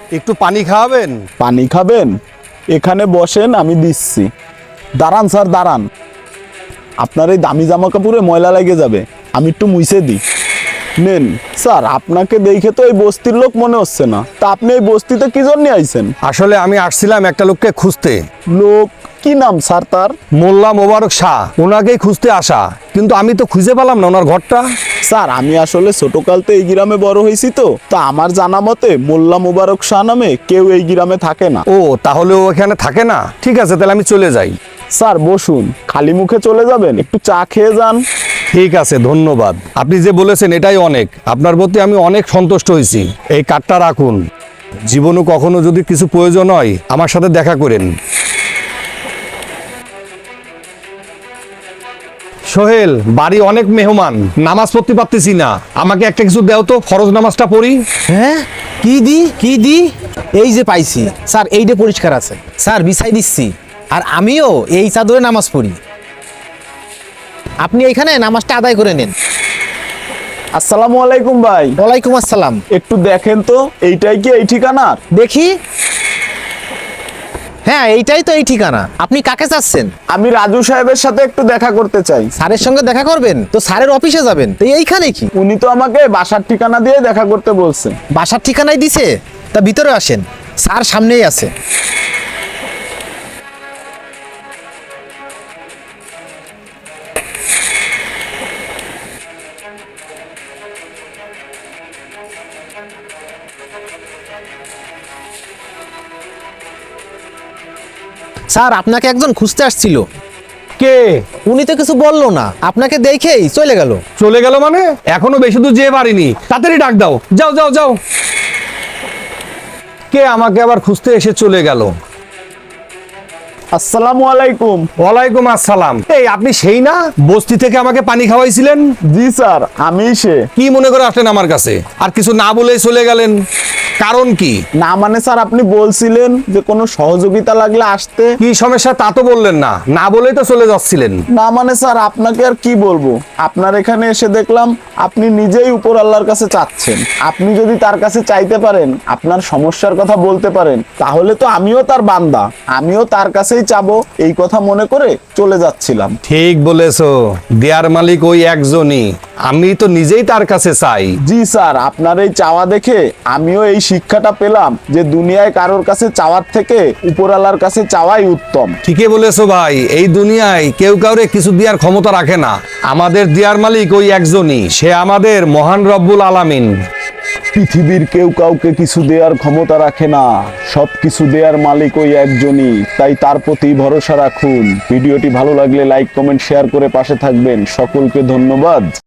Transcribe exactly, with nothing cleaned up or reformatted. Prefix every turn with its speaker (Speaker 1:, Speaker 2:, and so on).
Speaker 1: একটু পানি খাওয়াবেন?
Speaker 2: পানি খাবেন? এখানে বসেন, আমি দিচ্ছি। দাঁড়ান স্যার, দাঁড়ান। আপনার এই দামি জামা কাপড়ে ময়লা লেগে যাবে, আমি একটু মুছে দিই। নেন স্যার, আপনাকে দেখে তো এই বস্তির লোক মনে হচ্ছে না, তা আপনি এই বস্তিতে কি জন্য আইছেন?
Speaker 1: আসলে আমি আসছিলাম একটা লোককে খুঁজতে।
Speaker 2: লোক? কি নাম স্যার তার?
Speaker 1: মোল্লা মোবারক শাহ, ওনাকেই খুঁজতে আসা, কিন্তু আমি তো খুঁজে পেলাম না ওনার ঘরটা।
Speaker 2: স্যার আমি আসলে ছোটকালতে এই গ্রামে বড় হয়েছি, তো তা আমার জানা মতে মোল্লা মোবারক শাহ নামে কেউ এই গ্রামে থাকে না।
Speaker 1: ও, তাহলে ও এখানে থাকে না? ঠিক আছে, তাহলে আমি চলে যাই।
Speaker 2: স্যার বসুন, খালি মুখে চলে যাবেন? একটু চা খেয়ে যান।
Speaker 1: ঠিক আছে, ধন্যবাদ। আপনি যে বলেছেন এটাই অনেক। আপনার প্রতি আমি অনেক সন্তুষ্ট হয়েছি। এই কার্ডটা রাখুন, জীবনে কখনো যদি কিছু প্রয়োজন হয় আমার সাথে দেখা করেন। সোহেল, বাড়ি অনেক মেহমান, নামাজ পড়তে পারতেছি না, আমাকে একটা কিছু দেও তো, ফরজ নামাজটা পড়ি।
Speaker 3: হ্যাঁ, কি দি কি দি এই যে পাইছি স্যার, এইটা পরিষ্কার আছে স্যার, বিছাই দিচ্ছি। আর আমিও এই চাদরে নামাজ পড়ি, আপনি এইখানে নামাজটা আদায় করে নেন।
Speaker 2: আসসালামু আলাইকুম ভাই।
Speaker 3: ওয়ালাইকুম আসসালাম।
Speaker 2: একটু দেখেন তো, এইটাই কি এই ঠিকানার?
Speaker 3: দেখি, হ্যাঁ এইটাই তো এই ঠিকানা। আপনি কাকে চাচ্ছেন?
Speaker 2: আমি রাজু সাহেবের সাথে একটু দেখা করতে চাই।
Speaker 3: স্যারের সঙ্গে দেখা করবেন? তো স্যারের অফিসে যাবেন, তো এইখানে কি?
Speaker 2: উনি তো আমাকে বাসার ঠিকানা দিয়ে দেখা করতে বলছে।
Speaker 3: বাসার ঠিকানাই দিছে? তা ভিতরে আসেন, স্যার সামনেই আছে। স্যার আপনাকে একজন খুঁজতে আসছিল।
Speaker 1: কে?
Speaker 3: উনি তো কিছু বললো না, আপনাকে দেখেই চলে গেল।
Speaker 1: চলে গেল মানে? এখনো বেশি দূর যেতে পারিনি, তাড়াতাড়ি ডাক দাও। যাও যাও যাও। কে আমাকে আবার খুঁজতে এসে চলে গেল?
Speaker 2: আসসালামু আলাইকুম।
Speaker 1: ওয়ালাইকুম আসসালাম। এই আপনি সেই না বস্তি থেকে আমাকে পানি খাওয়াইছিলেন?
Speaker 2: জি স্যার, আমি সে।
Speaker 1: কি মনে করে আসলেন আমার কাছে, আর কিছু না বলেই চলে গেলেন? কারণ কি?
Speaker 2: না মানে স্যার, আপনি বলছিলেন যে কোনো সহযোগিতা লাগলে আসতে।
Speaker 1: কি সমস্যা তা তো বললেন না, না বলেই তো চলে যাচ্ছিলেন।
Speaker 2: না মানে স্যার, আপনাকে আর কি বলবো, আপনার এখানে এসে দেখলাম আপনি নিজেই উপর আল্লাহর কাছে চাচ্ছেন। আপনি যদি তার কাছে চাইতে পারেন, আপনার সমস্যার কথা বলতে পারেন, তাহলে তো আমিও তার বান্দা, আমিও তার কাছেই চাবো, এই কথা মনে করে চলে যাচ্ছিলাম।
Speaker 1: ঠিক বলেছো, দেয়ার মালিক ওই একজনই, আমি তো নিজেই তার কাছে চাই।
Speaker 2: জি স্যার, আপনার এই চাওয়া দেখে আমিও এই শিক্ষাটা পেলাম যে দুনিয়ায় কারোর কাছে চাওয়ার থেকে উপরওয়ালার কাছে চাওয়াই উত্তম।
Speaker 1: ঠিকই বলেছো ভাই, এই দুনিয়ায় কেউ কাউরে কিছু দেওয়ার ক্ষমতা রাখে না, আমাদের দেয়ার মালিক ওই একজনই, সে আমাদের মহান রব্বুল আলামিন।
Speaker 2: পৃথিবীর কেউ কাউকে কিছু দেওয়ার ক্ষমতা রাখে না, সব কিছু দেওয়ার মালিক ওই একজনই, তাই তার প্রতি ভরসা রাখুন। ভিডিওটি ভালো লাগলে লাইক কমেন্ট শেয়ার করে পাশে থাকবেন। সকলকে ধন্যবাদ।